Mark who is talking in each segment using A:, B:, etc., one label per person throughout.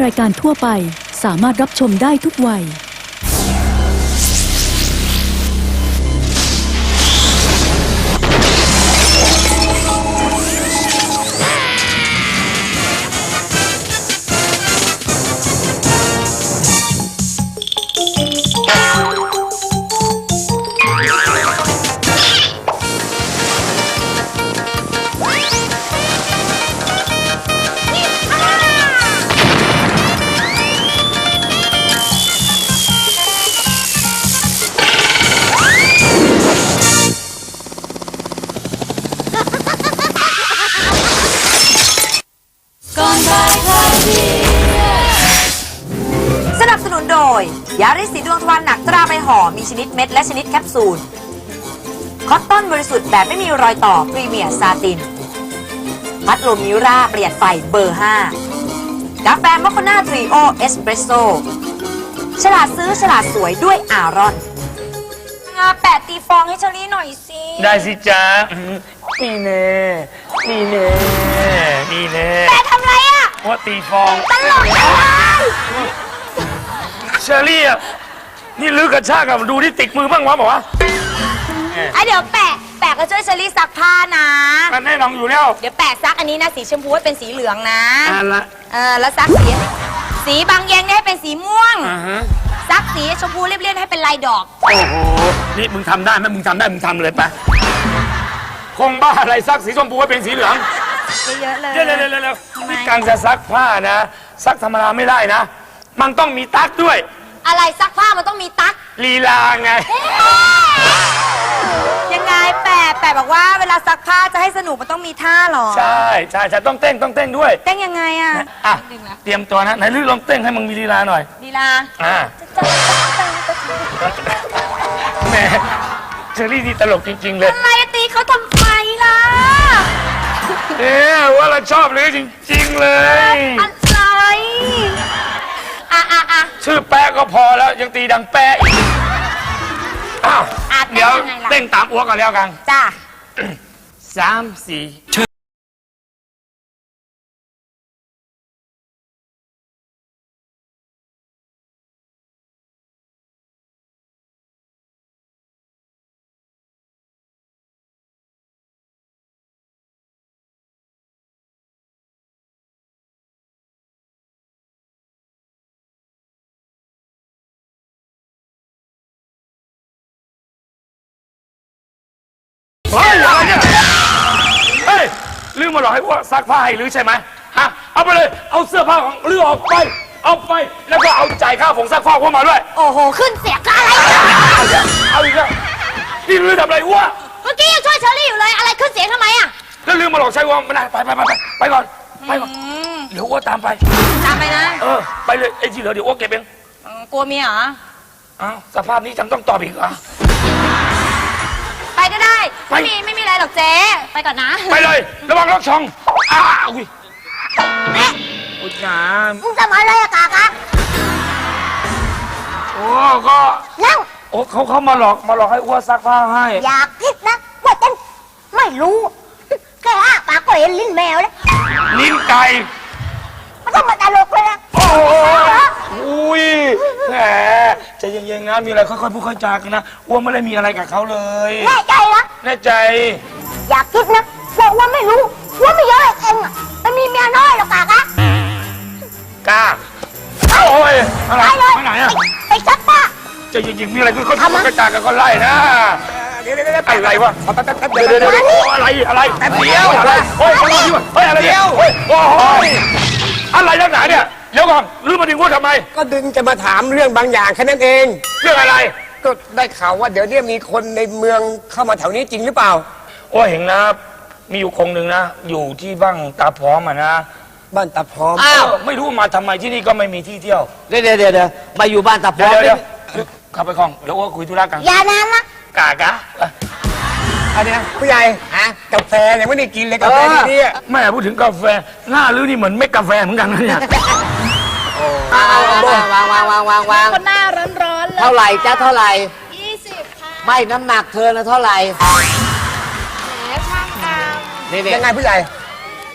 A: รายการทั่วไปสามารถรับชมได้ทุกวัย
B: สนับสนุนโดยยาริสสีดวงทวารหนักตราใบห่อมีชนิดเม็ดและชนิดแคปซูลคอตตอนบริสุทธิ์แบบไม่มีรอยต่อพรีเมียร์ซาตินพัดลมมิราประหยัดไฟเบอร์ 5กาแฟมอคคาน่าทริโอเอสเปรสโซ่ฉลาดซื้อฉลาดสวยด้วยอารอนแปะตีฟองให้เชอรี่หน่อยสิ
C: ได้สิจ๊ะนี่แน่นี่แน่นี่แน่
B: แปะทำไรอะ
C: ว่าตีฟอง
B: ตลกเลย
C: เชอรี่อ่ะนี่ลื้อกระชากกับดูที่ติดมือบ้างวะบอกว่า
B: ไอเดี๋ยวแปะก็ช่วยเชอรี่ซักผ้านะ
C: มันแน่นอนอยู่แล้ว
B: เดี๋ยวแปะซักอันนี้นะสีชมพูให้เป็นสีเหลืองนะ
C: ละ
B: แล้วซักสีบางแยงให้เป็นสีม่วง ซักสีชมพูเรียบๆให้เป็นลายดอก
C: โอ้โหนี่มึงทำได้ไหมมึงทำได้มึงทำเลยปะคงบ้าอะไรซักสีชมพูให้เป็นสีเหลือง
B: เยอะๆเลย
C: เร็วนี่การจะซักผ้านะซักธรรมดาไม่ได้นะมันต้องมีตั๊กด้วย
B: อะไรซักผ้ามันต้องมีตั๊ก
C: ลีลาไง
B: ยังไงแปะบอกว่าเวลาซักผ้าจะให้สนุกมันต้องมีท่าหรอ
C: ใช่ต้องเต้นด้วย
B: เต้นยังไงอะ
C: อ่ะเตรียมตัวนะไหนลื้อลองเต้นให้มึงมีลีลาหน่อย
B: ลีลา
C: แหมเชอรี่นี่ตลกจริงๆเลย
B: อะไรตีเขาทำไมล่ะ
C: ว่าเราชอบเลยจริงๆเลย
B: อะไรอ่ะ
C: ชื่อแป๊ะก็พอแล้วยังตีดังแป๊ะอีกอ้าวเดี๋ยวเต้นตามอ้วกกันแล้วกัน
B: จ้า
C: 3 4เฮ้ยอะไรเนี่ยเฮ้ยลืมมาหรอกให้ว่าซักผ้าให้ลือใช่ไหมฮะเอาไปเลยเอาเสื้อผ้าของลือออกไปเอาไปแล้วก็เอาจ่ายค่าผงซักผ้าพวกมาด้วย
B: โอ้โหขึ้นเสียงอะไร
C: เอาอีกแล้วนี่ลือทำอะไรวะ
B: เมื่อกี้ยังช่วยเชอรี่อยู่เลยอะไรขึ้นเสียงทำไมอะ
C: แล้วลืมมาหลอกใช้วงไม่ได้ไปก่อนเดี๋ยวอ้วตามไป
B: ตามไปนะ
C: ไปเลยไอ้ที่เหลือเดี๋ยวอ้วเก็บเอง
B: กลัวเมียเหรอ
C: อ้าวสภาพนี้จำต้องตอบอีกเหรอ
B: ไปก็ได้
C: ไป
B: ไม่มีอะไรหรอกเจ๊ไปก่อนนะ
C: ไปเลยระวังล็อกช่องอุ้ยอุ้ยน้
B: มึงทำอะไรอะกากะ
C: ำโอ้ก็
B: นั่ง
C: โอ้เขามาหลอกให้อ้วซักผ้าให้
B: อยากคิดนะว่าฉันไม่รู้แค่ปากก็เห็นลิ้นแมวแล้ว
C: ลิ้นไก่
B: มันต้องมาตลกเลยนะ
C: โอ้อุ้ยแหมใจเย็นๆนะมีอะไรค่อยๆพูดค่อยจากันนะอ้วไม่ได้มีอะไรกับเขาเลย
B: แน่ใจเหรอ
C: แน่ใจ
B: อยากคิดนะบอกว่าไม่รู้ว่าไม่เยอะเองอะมันมีเมียน้อยหรอกกากะ
C: กล้าโอ้ยอะไร
B: ไปเลย
C: ไปไหนอะ
B: ไปซักผ้า
C: ใจเย็นๆมีอะไรค่อยๆพูดค่อยจากันก็ไล่นะเดี๋ยวอะไรวะเดี๋ยวอะไรแป๊บเดียวอะไรโอ้ยอะไรเดียวโอ้ยอะไรนักหนาเนี่ยเดี๋ยวก่อนรื้อมาดึงว่าทำไม
D: ก็ดึงจะมาถามเรื่องบางอย่างแค่นั้นเอง
C: เรื่องอะไร
D: ก็ได้ข่าวว่าเดี๋ยวนี้มีคนในเมืองเข้ามาแถวนี้จริงหรือเปล่า
C: โอ้เห็นนะมีอยู่คงหนึ่งนะอยู่ที่บ้างตาพร้อมอ่ะนะ
D: บ้านตาพร้อม
C: อ้าวไม่รู้มาทำไมที่นี่ก็ไม่มีที่เที่ยว
E: เดี๋ยวมาอยู่บ้านตาพร้อม
C: เดี๋ยวขับไปคลองเดี๋ยวว่าคุยธุระกัน
B: อย่านานนะ
C: กากะ
D: อันเนี้ยผู้ใหญ่กาแฟเนี่ยไม่ได้กินเลยกาแฟที่นี่
C: แม่พูดถึงกาแฟหน้าลื้อนี่เหมือนเม็ดกาแฟเหมือนกันนะเนี่ย
E: วาง
B: คนหน้าร้อนๆเลย
E: เท่าไหร่จ้าเท่าไหร่
B: 20 ค่ะ
E: ไม่น้ำหนักเธอนะเท่าไหร่
B: แหมช่างตาม
E: นี่
D: ยังไงผู้ใหญ่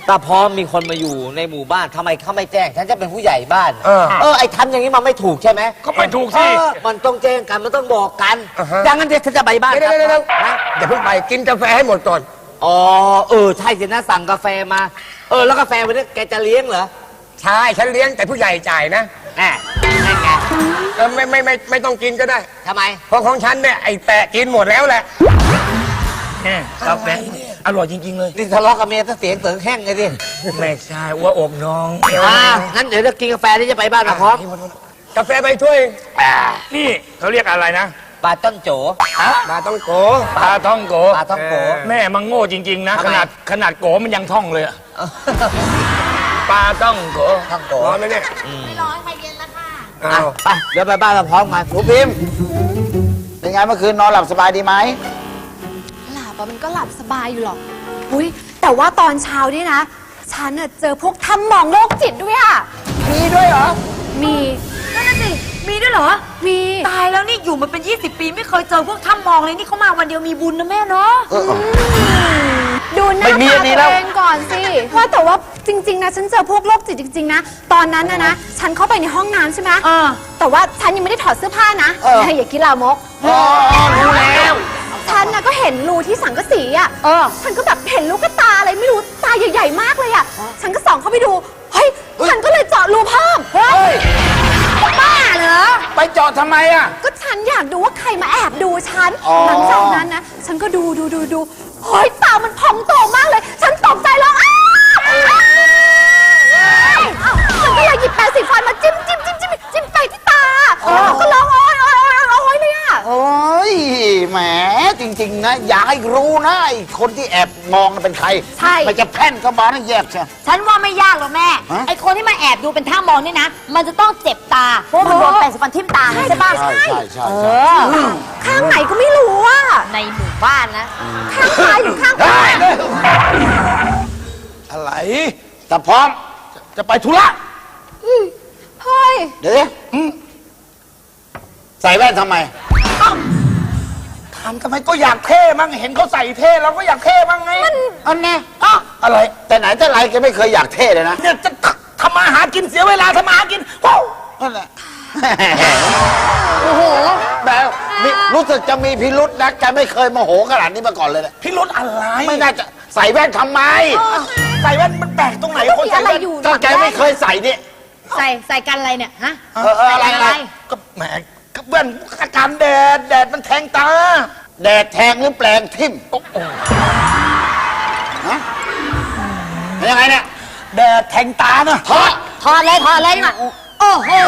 E: ตาพร้อมมีคนมาอยู่ในหมู่บ้านทำไมเขาไม่แจ้งฉันจะเป็นผู้ใหญ่บ้านไอ้ทำอย่างนี้มันไม่ถูกใช่ไหม
C: ก็ไม่ถูกสิ
E: มันต้องแจ้งกันมันต้องบอกกันอย่างนั้นเดี๋ยวฉันจะไปบ้าน
D: เดี๋ยวอย่าเพิ่งไปกินกาแฟให้หมดก่อน
E: อ๋อใช่สินะสั่งกาแฟมาแล้วกาแฟวันนี้แกจะเลี้ยงเหรอ
D: ใช่ฉันเลี้ยงแต่ผู้ใหญ่จ่ายนะ
E: แน่นั่นไง
D: ไม่ต้องกินก็ได้
E: ทำไม
D: เพราะของฉันเนี่ยไอ้แปะกินหมดแล้วแหละ
C: กาแฟอร่อยจริงๆเลย
E: นี่ทะเลาะกับเมียถ้าเสียงเสริงแห้งไงดิ
D: ไม่ใช่ว่าอกน้อง
E: งั้นเดี๋ยวจะกินกาแฟที่จะไปบ้านตาพร้อม
D: กาแฟไปถ้วย
C: นี่เขาเรียกอะไรนะ
E: ปลาต้นโจ
D: มาต้องโก
C: ปลาท่องโก
E: ปลาท่องโก
C: แม่มันโง่จริงๆนะ
E: ทำไม
C: ขนาดโกมันยังท่องเลยอะปลาต้องโก
E: ท่องโก
D: ร้อนไหมเนี่ย
F: ไม่ร้อนไปเย็นแล้วค่ะ
D: อ้าว
E: ไปเดี๋ยวไปบ้านตาพร้อมกันหนูพิมพ์
G: เป็นไงเมื่อคืนนอนหลับสบายดีไหม
F: หลับมันก็หลับสบายอยู่หรอกอุ้ยแต่ว่าตอนเช้านี่นะ ฉันน่ะเจอพวกทำหมองโรคจิตด้วยอ่ะ
D: มีด้วยเหรอ
F: มี
B: นั่นน่ะสิ มีด้วยเหรอ
F: มี
B: ตายแล้วนี่อยู่มาเป็น 20 ปีไม่เคยเจอพวกถ้ำมองเลยนี่เขามาวันเดียวมีบุญนะแม่เนาะ
F: ดูหน้าตาตัวเองก่อนสิว่าแต่ว่าจริง ๆ นะ ฉันเจอพวกโรคจิตจริง ๆ นะ ตอนนั้นนะฉันเข้าไปในห้องน้ำใช่ไหมแต่ว่าฉันยังไม่ได้ถอดเสื้อผ้านะอย่าคิดลามก
E: รู้แล้ว
F: ฉันนะก็เห็นรูที่สังกะสีอ่ะฉันก็แบบเห็นลูกตาอะไรไม่รู้ตาใหญ่ๆมากเลยอ่ะ ฉันก็ส่องเข้าไปดู เฮ้ย ฉันก็เลยเจาะรูเพิ่ม เฮ้ย บ้าเหรอ
G: ไปเจาะทำไมอ่ะ
F: ก็ฉันอยากดูว่าใครมาแอบดูฉัน หลังจากนั้นนะ ฉันก็ดูเฮ้ยตามันพองโตมากเลย ฉันตกใจแล้วอ้าวฉันก็เลยหยิบแปรงสีฟันมาจิ้มไปที่ตาก็ร้องโอ๊ยเลยอ่ะ
G: โอ้ยแหมจริง ๆ นะ อย่าให้รู้นะไอ้คนที่แอบมองน่ะเป็นใคร
F: ใช่
G: มันจะแพ่นเข้ามานะแยกใช่
B: ฉันว่าไม่ยากหรอกแม่
G: ฮะ
B: ไอคนที่มาแอบดูเป็นท่ามองนี่นะ มันจะต้องเจ็บตา เพราะมันโดนแปรงสีฟันทิ่มตาไงใช่ป่ะ
G: ใช่ใช่ใช่
F: ข้างไหนก็ไม่รู้อ่ะ
B: ในหมู่บ้านนะ
F: ข้างซ้ายหรือข้างขวา
G: อะไรแต่พร้อมจะไปธุระ
F: เฮ้ย
G: เดี๋ยวดิใส่แว่นทำไม
C: ถามทำไมก็อยากเท่มั้งเห็นเขาใส่เท่เราก็อยากเท่มั้งไง
G: อันแน่อะไร แต่ไหนแต่ไรแกไม่เคยอยากเท่เลยนะ
C: เนี่ยจะทำมาหากินเสียเวลาทำมาหากินว้าว
G: นั่นแหละ โอ้โหแบบนี่รู้สึกจะมีพิรุษนะแกไม่เคยโมโหขนาดนี้มาก่อนเลยนะ
C: พี่รุธอะไร
G: ไม่น่าจะใส่แว่นทำไม
C: ใส่แว่นมันแปลกตรงไหน
F: ก็
C: คน
F: มี
C: ใส่
F: อะไร
C: แว่น
F: อยู่
G: ก็แกไม่เคยใส่นี่
B: ใส่กันอะไรเนี่ย ฮะ
G: อะไร
C: ก็แหมก็แว่นอาการแดดมันแทงตา
G: แดดแทงหรือแปลงทิ่ม
C: โอ้โห
G: ฮะเป็นยังไงเนี่ย
C: แดดแทงตานะ
G: ถอด
B: ถอดเลยมาโอ้โห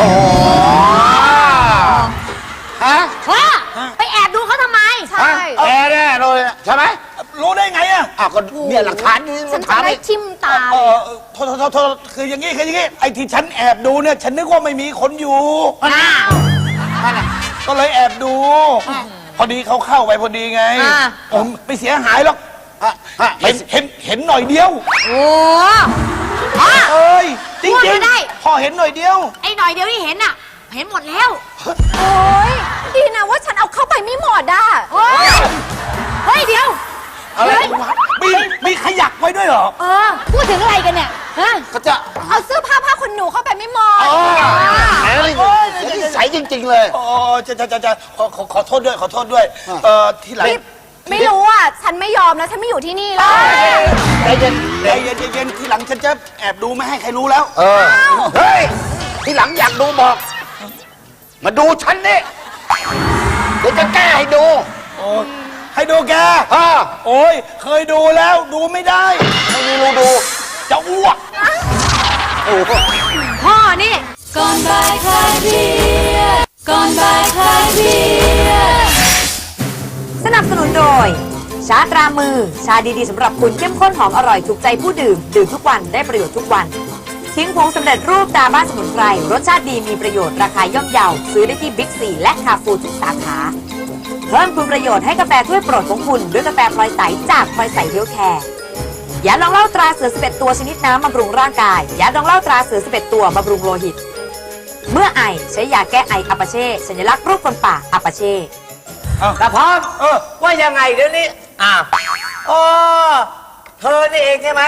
G: ฮะ
B: พ่อไปแอบดูเขาทำไม
F: ใช่
G: แกแน่เลยใช่ไหม
C: รู้ได้ไงอะ
G: อ้าวก็เนี่ยหลักฐานนี่
F: ฉัน
G: ถา
F: จะ
G: ม
F: ได้
G: ดิ
F: ทิ่มตา
C: โทษคืออย่างงี้ไอ้ที่ฉันแอบดูเนี่ยฉันนึกว่าไม่มีคนอยู่
B: อ้าว
C: ก็เลยแอบดู พอดีเขาเข้าไปพอดีไง ผมไม่เสียหายหรอก เห็นหน่อยเดียว
B: โอ้พ่อ
C: เอ้ยจ
B: พูด
C: ริง
B: ไม่ได้
C: ๆพอเห็นหน่อยเดียว
B: ไอ้หน่อยเดียวที่เห็นน่ะ เห็นหมดแล้ว
F: โอ้ยดีนะว่าฉันเอาเข้าไปไม่หมดอ่ะ
B: เฮ้ยเดี๋ยว
C: อะไรวะมีขยักไว้ด้วยเหรอ
B: พูดถึงอะไรกันเนี่ย ฮะ
G: ก็จะ
F: เอาเสื้อผ้าขนหนูเข้าไปไม่หมด
G: แหมนิสัยจริง ๆ เลย
C: อ๋อจะขอโทษด้วย ที่หลัง
F: ไม่รู้อ่ะ ฉันไม่ยอมแล้ว ฉันไม่อยู่ที่นี่แล้ว
G: ใจเย็น
C: เย็นที่หลังฉันจะแอบดูไม่ให้ใครรู้แล้ว
G: เฮ้ย ทีหลังอยากดูบอก มาดูฉันนี่เดี๋ยวจะแก้ให้ดู
C: โอ้ยให้ดูแก
G: อ่า
C: โอ้ยเคยดูแล้วดูไม่ได้
G: ไม่มีรูดู
C: จะอ้วก
G: โอ้โห
B: พ่อนี่
A: ก่อนบ่ายคลายเครียดก่อนบ่ายคลายเครียด
B: สนับสนุนโดย ชาตรามือ ชาดีๆสำหรับคุณเข้มข้นหอมอร่อยถูกใจผู้ดื่ม ดื่มทุกวันได้ประโยชน์ทุกวัน ทิ้งผงสำเร็จรูปตาบ้านสมุนไพร รสชาติดีมีประโยชน์ราคาย่อมเยา ซื้อได้ที่บิ๊กซีและคาฟูทุกสาขา เพิ่มคุณประโยชน์ให้กาแฟถ้วยโปรดของคุณด้วยกาแฟพลอยใสจากพลอยใสเฮลท์แคร์ยาดองเหล้าตราเสือ11ตัวชนิดน้ำบำรุงร่างกายยาดองเหล้าตราเสือ11ตัวบำรุงโลหิต เมื่อไอใช้ยาแก้ไออัปาเช่สัญลักษณ์รูปคนป่าอัปาเช่
E: ตาพร้อมว่ายังไงเดี๋ยวนี้อ๋อเธอนี่เองใช่ไหม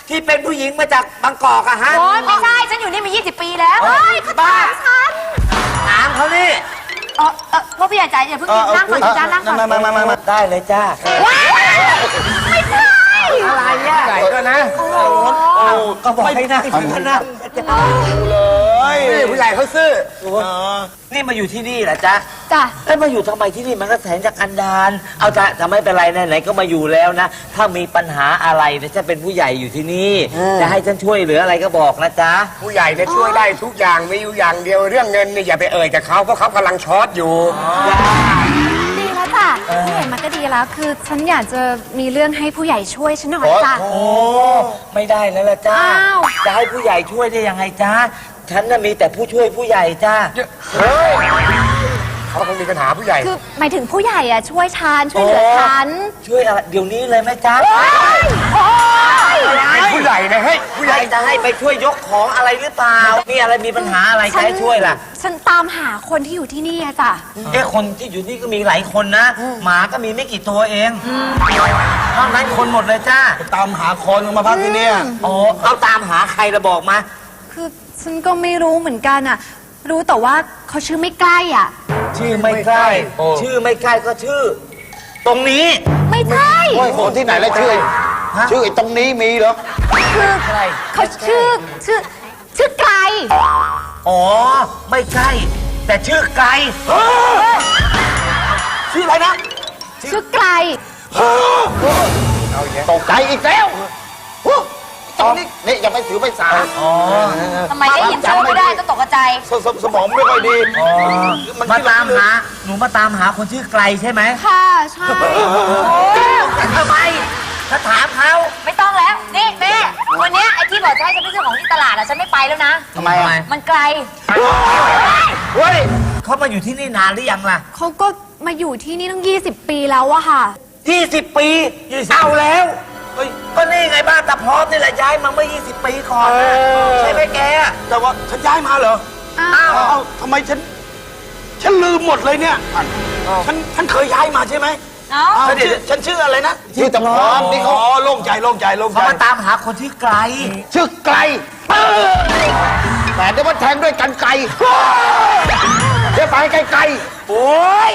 E: ที่เป็นผู้หญิงมาจากบางกอกอะฮะ
B: โอ๊ยไม่ใช่ ฉันอยู่นี่มา 20 ปีแล้ว
E: บ้าถามเขานี่
B: พ่อพี่ใหญ่ใจอย่าเพิ่งนั่งก่อนจ้านั่งก่อน
E: มาได้เลยจ้า
D: อะไรเนี่ยใหญ่ก็นะ
E: ก็บอกให้นั่งก็นั่ง
D: นี่ผู้ใหญ่เขาซื่อ
E: นี่มาอยู่ที่นี่เหรอจ๊ะ
F: จ้ะ
E: แล้วมาอยู่ทำไมที่นี่มันก็แสนจะกันดารเอาจ้ะจะไม่เป็นไรไหนๆก็มาอยู่แล้วนะ ถ้ามีปัญหาอะไรเนี่ยจะเป็นผู้ใหญ่อยู่ที่นี่ จะให้ฉันช่วยเหลืออะไรก็บอกนะจ๊ะ
D: ผู้ใหญ่เนี่ยช่วยได้ทุกอย่างมีอยู่อย่างเดียวเรื่องเงินเนี่ยอย่าไปเอ่ยกับเขาเพราะเขากำลังช็อตอยู่
F: ดีแล้วจ้ะผู้ใหญ่มันก็ดีแล้ว คือฉันอยากจะมีเรื่องให้ผู้ใหญ่ช่วยฉันหน่อยจ้ะ
E: โอ้ไม่ได้แล้วล่ะจ้า
F: อ้าว
E: จะให้ผู้ใหญ่ช่วยได้ยังไงจ้าฉันน่ะมีแต่ผู้ช่วยผู้ใหญ่จ้า
D: เฮ้ยเขาคงมีปัญหาผู้ใหญ่
F: คือหมายถึงผู้ใหญ่อะช่วยฉันช่วยเหลือฉัน
E: ช่วยอะไรเดี๋ยวนี้เลยไหมจ๊ะ
D: เป็นผู้ใหญ่นะเฮ้ยผู้ใหญ่
E: จะให้ไปช่วยยกของอะไรหรือเปล่ามีอะไรมีปัญหาอะไรจะให้ช่วยล่ะ
F: ฉันตามหาคนที่อยู่ที่นี่อะจ้ะ
E: คนที่อยู่นี่ก็มีหลายคนนะ หมาก็มีไม่กี่ตัวเองนอกนั้นคนหมดเลยจ้า
G: ตามหาคนมาพักที่เนี่ย
E: อ๋อเอาตามหาใครระบอกมา
F: คือฉันก็ไม่รู้เหมือนกันอะรู้แต่ว่าเขาชื่อไม่ใกล้อ่ะ
E: ชื่อไม่ใกล้ชื่อไม่ใกล้ก็ชื่อ ตรงนี้
F: ไม่ใช่
G: โอ้ยคนที่ไหนแล้วชื่อไอ้ตรงนี้มีเหรอ
F: คือเขาชื่อไกล
E: อ๋อไม่ใกล้แต่ชื่อไกลชื่ออะไรนะ
F: ชื่อไกล
G: ตกใจอีกแล้วตรงนี้นี่ยังไม่ถือไปสา
E: อ๋อ
B: ทำไมได้ยินชื่อไม่ได้ก็ตกใจ
G: สมองไม่ค่อยดี
E: มาตามหาหนูมาตามหาคนชื่อไกลใช่ไหม
F: ค่ะ ใช่
E: แต่ทำไมถ้าถามเขา
B: ไม่ต้องแล้ว นี่แม่ วันเนี้ยไอ้ที่บอกจะให้ฉันไปซื้อของที่ตลาดอะฉันไม่ไปแล้วนะ
G: ทำไมอ่ะ
B: มันไกล
E: เฮ้ยเขามาอยู่ที่นี่นานหรือยังล่ะ
F: เขาก็มาอยู่ที่นี่ตั้ง 20 ปีแล้วอะค่ะ
E: 20 ปีเอาแล้วเฮ้ยก็นี่ไงบ้านตาพร้อมนี่แหละย้ายมาเมื่อ 20 ปีก่อนนะใช่ไหมแก
G: แต่ว่าฉันย้ายมาเหรอ
F: อ้าว
G: เอ้าทำไมฉันลืมหมดเลยเนี่ย ฉันเคยย้ายมาใช่ไหม
B: เอ้า
G: ฉันชื่ออะไรนะชื่อตะพร้อมนี่เขาโล่งใจ
E: เขามาตามหาคนชื่อไกล
G: ชื่อไกลแต่เดี๋ยวมาแทงด้วยกันไกลเดี๋ยวไปไกลโอ้ย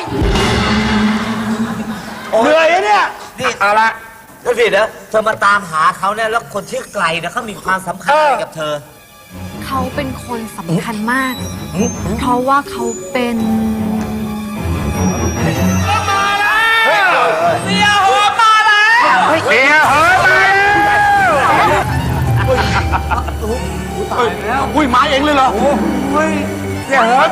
G: เหนื่อยอะเนี่ย
E: นี่เอาละก็สิเดี๋ยวเธอมาตามหาเขาเนี่ยแล้วคนชื่อไกลเนี่ยเขามีความสำคัญอะไรกับเธอ
F: เขาเป็นคนสำคัญมาก เพราะว่าเขาเป็น
C: เสียเหอะมาแล้วอุ้ยมาเองเลยเหรอเสียเหอะ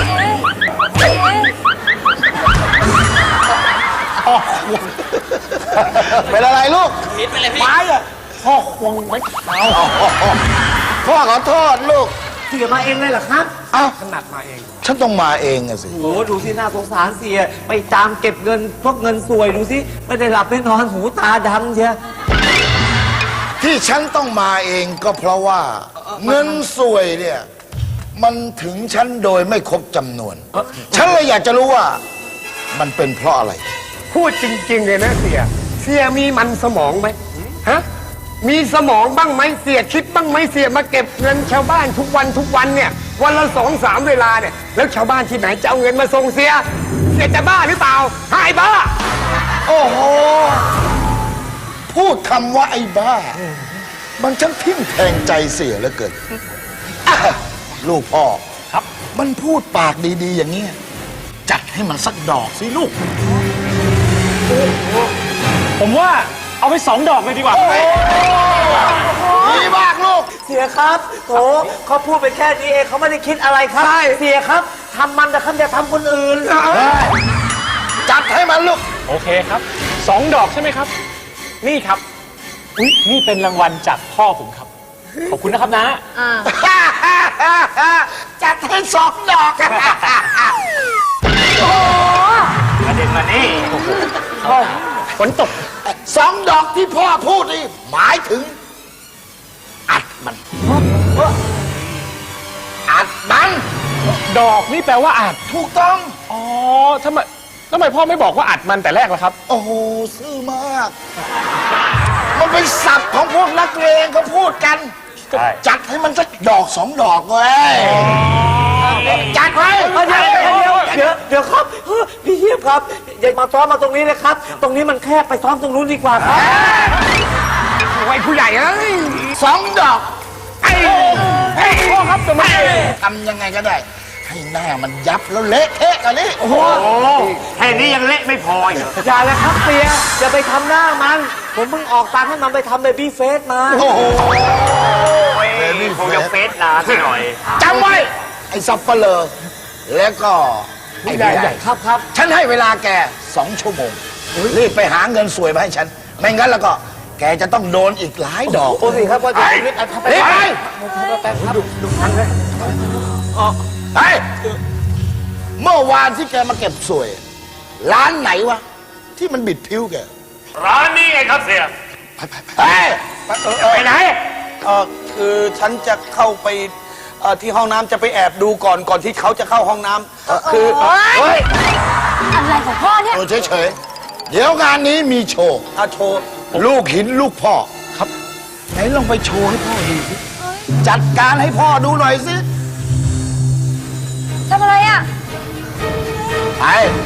G: เป็นอะไรลูก
C: ไม้อะพ่อควงไว้
G: พ่อขอโทษลูก
E: เสียมาเองเลยเหรอครับ
G: เอ้า
D: ขนาดมาเอง
G: ฉันต้องมาเองอะสิ
E: โอ้โหดูสิน่าสงสารเสียไปตามเก็บเงินพวกเงินสวยดูสิไม่ได้หลับไม่นอนหูตาดำเชีย
G: ที่ฉันต้องมาเองก็เพราะว่า เงินสวยเนี่ย มันถึงฉันโดยไม่ครบจำนวน ฉันเลยอยากจะรู้ว่า มันเป็นเพราะอะไร
D: พูดจริงๆเลยนะเสียมีมันสมองไหมฮะมีสมองบ้างไหมเสียคิดบ้างไหมเสียมาเก็บเงินชาวบ้านทุกวันเนี่ยวันละ2-3เวลาเนี่ยแล้วชาวบ้านที่ไหนจะเอาเงินมาส่งเสียจะบ้าหรือเปล่าหายบ้า
G: โอ้โห พูดคำว่าไอ้บ้า มันช่างทิ่มแทงใจเสียเหลือเกินอ่ะลูกพ่อครับ มันพูดปากดีๆ อย่างเงี้ยจัดให้มันสักดอกสิลูก
C: ผมว่าเอาไป2 ดอกเลยดีกว่า
G: ดีมากลูก
E: เสียครับโถเขาพูดไปแค่นี้เองเขาไม่ได้คิดอะไรครับ เสียครับทำมันแต่เขาจะทำคนอื่น
G: จัดให้มันลูก
C: โอเคครับ 2 ดอกใช่ไหมครับ นี่ครับอุ๊ยนี่เป็นรางวัลจากพ่อผมครับ ขอบคุณนะครับนะ
G: จัดให้2 ดอก
C: ประเด็นมานี่ฝนตก
G: 2 ดอกที่พ่อพูดนี่หมายถึง อัดมัน อัดมัน
C: ดอกนี่แปลว่าอัด
G: ถูกต้อง
C: อ๋อทำไมพ่อไม่บอกว่าอัดมันแต่แรกล่ะครับ
G: โอ้โห ซื่อมาก มันเป็นศัพท์ของพวกนักเลงเขาพูดกัน
C: ใช่
G: จัดให้มันสักดอกสองดอกเว้ยจัดไว้
E: เดี๋ยวครับพี่เทียบครับ อย่ามาซ้อมมาตรงนี้นะครับ ตรงนี้มันแคบไปซ้อมตรงนู้นดีกว่าครับ
D: ไว้ผู้ใหญ่เอ้ย
G: สองดอก
D: พ่อครับทำไม
G: ทำยังไงก็ได้ ให้หน้ามันยับแล้วเละเทะกันนี่
D: โอ้แค่นี้ยังเละไม่พออีก
E: อย่าเลยครับเปียอย่าไปทำหน้ามัน ผมเพิ่งออกตังค์ให้มันไปทำเบบี้เฟสมา
G: โอ้โห
D: คงจะเฟสนานหน่อย
G: จำไว้ ไอ้ซับเปลือแล้วก็ไอ้ผู้ใหญ่
E: ครับ
G: ฉันให้เวลาแก2 ชั่วโมงรีบไปหาเงินสวยมาให้ฉัน ไม่งั้นแล้วก็แกจะต้องโดนอีกหลายดอก
E: โอ้สิครับว่าจะรีบ
G: รีบไปไปเมื่อวานที่แกมาเก็บสวย ร้านไหนวะ ที่มันบิดผิวแก
C: ร้านนี้ไงครับเสีย
G: ไป
D: ไปไหน
H: คือฉันจะเข้าไปที่ห้องน้ำจะไปแอบดูก่อนที่เขาจะเข้าห้องน้ำคือ
G: เฮ้ย
A: อะไรของพ่อเนี่ย
G: ตัวเฉยๆเดี๋ยวงานนี้มีโชว์
H: โชว์
G: ลูกหินลูกพ่อครับ ไหนลองไปโชว์ให้พ่อดูสิจัดการให้พ่อดูหน่อยสิ
A: ทำอะไรอ่ะ
G: ไป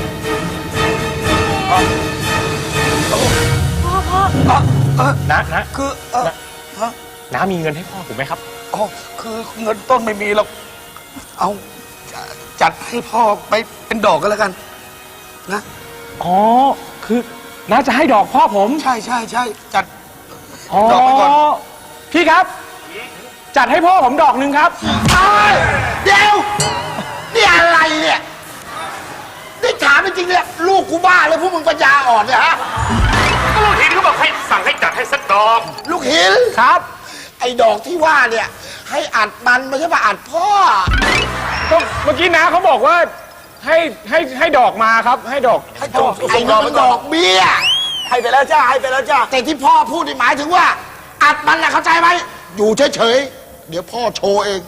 C: นะ
H: คือ
C: น้ามีเงินให้พ่อผมไหมครับ
H: อ๋อคือเงินต้นไม่มีหรอกเอาจัดให้พ่อไปเป็นดอกก็แล้วกัน นะ
C: อ๋อ คือน้าจะให้ดอกพ่อผม
H: ใช่จัด ดอกไปก่อน
C: พี่ครับ จัดให้พ่อผมดอกหนึ่งครับ
G: เดี๋ยวนี่อะไรเนี่ยนี่ถามจริงๆเนี่ยลูกกูบ้าเลยพวกมึงปัญญาอ่อนเนี่ยฮะ
C: ก็ลูกทีนเขาบอกให้สั่งให้จัดให้สักดอก
G: ลูกหิน
C: ครับ
G: ไอ้ดอกที่ว่าเนี่ย ให้อัดมันไม่ใช่มาอัดพ่อ
C: ก็เมื่อกี้น้าเขาบอกว่าให้ดอกมาครับ ให้ดอก
H: ให้ดอก
G: ไอ้นี่มันดอกเบี้ย
H: ให้ไปแล้วจ้าให้ไปแล้วจ้า
G: แต่ที่พ่อพูดนี่หมายถึงว่า อัดมันนะเข้าใจไหมอยู่เฉยๆเดี๋ยวพ่อโชว์เอง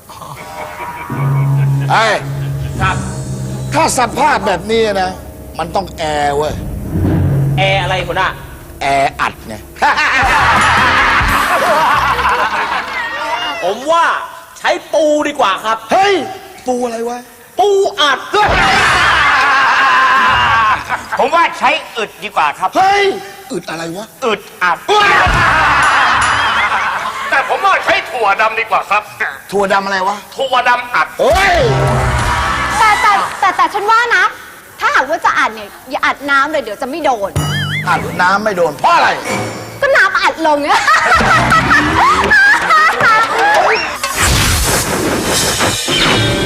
G: ไอ้ถ้าสภาพแบบนี้นะ มันต้องแอร์เว้ย
E: แอร์อะไรคุณอ่ะ
G: แอร์อัดไง
E: ผมว่าใช้ปูดีกว่าครับ
G: เฮ้ย ปูอะไรวะ
E: ปูอัด
D: ผมว่าใช้อึดดีกว่าครับ
G: เฮ้ย อึดอะไรวะ
D: อึดอัด
C: แต่ผมว่าใช้ถั่วดำดีกว่าครับ
G: ถั่วดำอะไรวะ
C: ถั่วดำอัด
G: เฮ้ย
F: แต่ฉันว่านะ ถ้าหากว่าจะอัดเนี่ยอย่าอัดน้ำเลยเดี๋ยวจะไม่โดน
G: อัดน้ำไม่โดน เพราะอะไร
F: ก็น้ำอัดลงเนี่ย
G: เ